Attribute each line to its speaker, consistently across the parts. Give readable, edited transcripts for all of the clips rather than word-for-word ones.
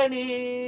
Speaker 1: राणी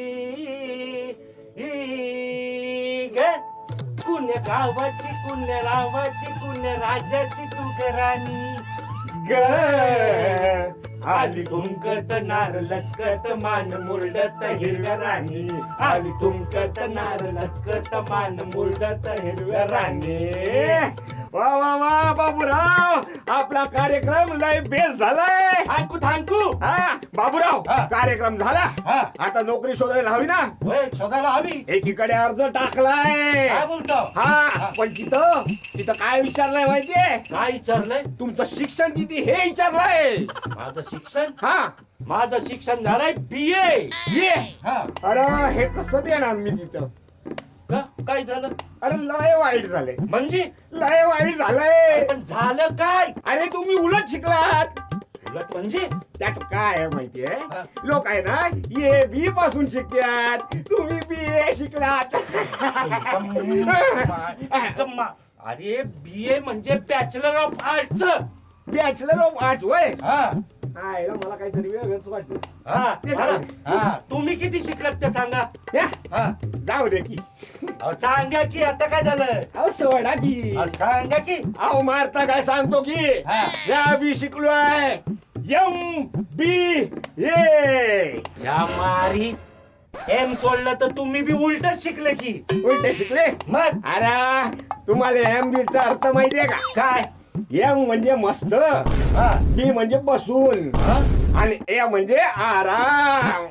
Speaker 1: ग कुण्या गावाची कुण्या रावाची कुण्या राजाची तू ग राणी ग आली ठुमकत नार लचकत मान मुरडत हिरव्या राणी आली ठुमकत नार लचकत मान मुरडत हिरव्या राणी
Speaker 2: वा वा वा बाबूराव आपला कार्यक्रम लय बेस्ट झालाय.
Speaker 1: थांकू थांकू
Speaker 2: हा बाबूराव
Speaker 1: हा.
Speaker 2: कार्यक्रम झाला.
Speaker 1: हा.
Speaker 2: आता नोकरी शोधायला हवी ना.
Speaker 1: होय शोधायला हवी.
Speaker 2: एकीकडे अर्ज टाकलाय.
Speaker 1: काय बोलतो
Speaker 2: हा पण तिथं तिथं काय विचारलंय माहितीये?
Speaker 1: काय विचारलंय?
Speaker 2: तुमचं शिक्षण किती हे विचारलंय.
Speaker 1: माझं शिक्षण
Speaker 2: हा
Speaker 1: माझं शिक्षण झालंय BA.
Speaker 2: ये
Speaker 1: हा
Speaker 2: अरे हे कसं देणार मी तिथं.
Speaker 1: का काय झालं?
Speaker 2: अरे लय वाईट झालंय.
Speaker 1: म्हणजे
Speaker 2: लय वाईट झालंय.
Speaker 1: पण झालं काय?
Speaker 2: अरे तुम्ही उलट शिकलात.
Speaker 1: उलट म्हणजे
Speaker 2: त्यात काय आहे माहितीये?
Speaker 1: हा.
Speaker 2: लोक आहे ना ये बी पासून शिकतात. तुम्ही BA शिकलात.
Speaker 1: अरे BA म्हणजे bachelor of arts.
Speaker 2: Bachelor of arts वय.
Speaker 1: हा
Speaker 2: मला काहीतरी वेगळंच वाटलं.
Speaker 1: हा
Speaker 2: ते झालं.
Speaker 1: हा तुम्ही किती शिकलात ते सांगा.
Speaker 2: या,
Speaker 1: हा
Speaker 2: जाऊ दे की.
Speaker 1: अहो, सांगा की आता काय झालं.
Speaker 2: अहो सोडा की.
Speaker 1: अहो, सांगा की.
Speaker 2: अहो मारता काय सांगतो की.
Speaker 1: हा.
Speaker 2: या बी शिकलोय. MBA.
Speaker 1: ज्या मारी एम सोडलं तर तुम्ही बी उलटच शिकले की.
Speaker 2: उलटे शिकले.
Speaker 1: मग
Speaker 2: अरे तुम्हाला MB चा अर्थ माहितीये का?
Speaker 1: काय?
Speaker 2: M म्हणजे मस्त,
Speaker 1: हा
Speaker 2: B म्हणजे बसून
Speaker 1: हा?
Speaker 2: आणि A म्हणजे आराम.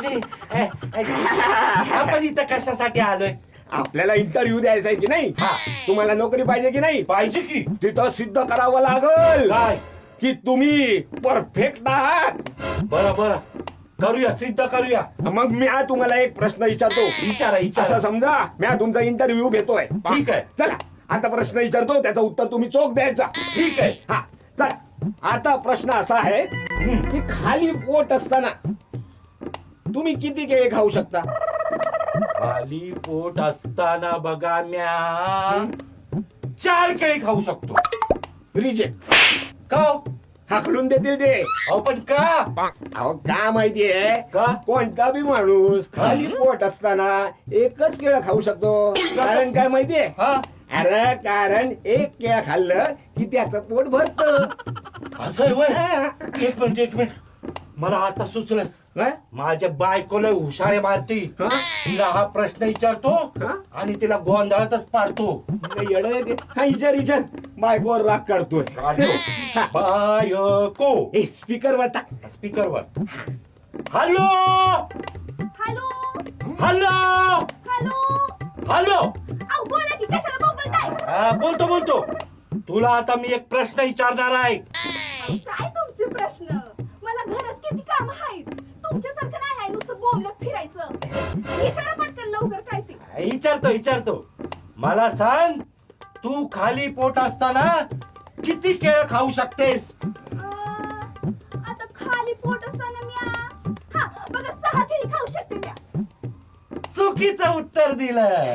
Speaker 1: आपण इथं कशासाठी आलोय?
Speaker 2: आपल्याला इंटरव्ह्यू द्यायचा आहे की नाही?
Speaker 1: हा.
Speaker 2: तुम्हाला नोकरी पाहिजे की नाही?
Speaker 1: पाहिजे की.
Speaker 2: तिथं सिद्ध करावं लागल
Speaker 1: काय?
Speaker 2: की तुम्ही परफेक्ट आहात.
Speaker 1: बरं बरं करूया सिद्ध करूया.
Speaker 2: मग मी आज तुम्हाला एक प्रश्न विचारतो.
Speaker 1: विचारा
Speaker 2: असं
Speaker 1: विचारा.
Speaker 2: समजा मी आज तुमचा इंटरव्ह्यू घेतोय.
Speaker 1: ठीक आहे.
Speaker 2: चला आता प्रश्न विचारतो त्याचं उत्तर तुम्ही चोख द्यायचा.
Speaker 1: ठीक आहे.
Speaker 2: हा चला आता प्रश्न असा आहे
Speaker 1: हम्म.
Speaker 2: की खाली पोट असताना तुम्ही किती केळे खाऊ शकता?
Speaker 1: खाली पोट असताना बघा म्या 4 केळी खाऊ शकतो.
Speaker 2: रिजेक्ट.
Speaker 1: का हो?
Speaker 2: हाकलून देतील ते.
Speaker 1: अहो पण का?
Speaker 2: अहो का माहितीये?
Speaker 1: का?
Speaker 2: कोणता बी माणूस खाली पोट असताना एकच केळं खाऊ शकतो. कारण काय माहितीये?
Speaker 1: हा
Speaker 2: अरे कारण एक केळं खाल्लं की त्याचं पोट भरत.
Speaker 1: असं आहे वय. एक मिनिट मला आता सुचलं. माझ्या बायकोला हुशारे मारती. तिला हा प्रश्न विचारतो
Speaker 2: हा?
Speaker 1: आणि तिला गोंधळातच पाडतो.
Speaker 2: विचार बायकोवर राग काढतोय. हा.
Speaker 1: बायको
Speaker 2: स्पीकरवर टाक.
Speaker 1: स्पीकरवर. Hello
Speaker 3: hello
Speaker 1: hello
Speaker 3: hello
Speaker 1: hello.
Speaker 3: अहो बोला की कशाला बोलताय?
Speaker 1: बोलतो तुला आता मी एक प्रश्न विचारणार आहे.
Speaker 3: काय तुमचे प्रश्न? मला घरात किती काम आहेत. तुमच्यासारखं नाही आहे नुसतं बोंबलत फिरायचं. विचारा पटकन लवकर काय ते.
Speaker 1: विचारतो मला सांग तू खाली पोट असताना किती केळं खाऊ शकतेस?
Speaker 3: आता खाली पोट असताना मी हा बघा 6 केळी खाऊ शकते मी.
Speaker 1: चुकीचं उत्तर दिलं.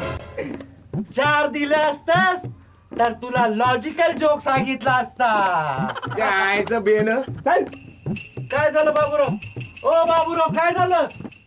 Speaker 1: 4 दिलं असतास तर तुला लॉजिकल जोक सांगितला असता.
Speaker 2: कायचं बेन.
Speaker 1: काय झालं बाबूराव? ओ बाबूराव काय झालं?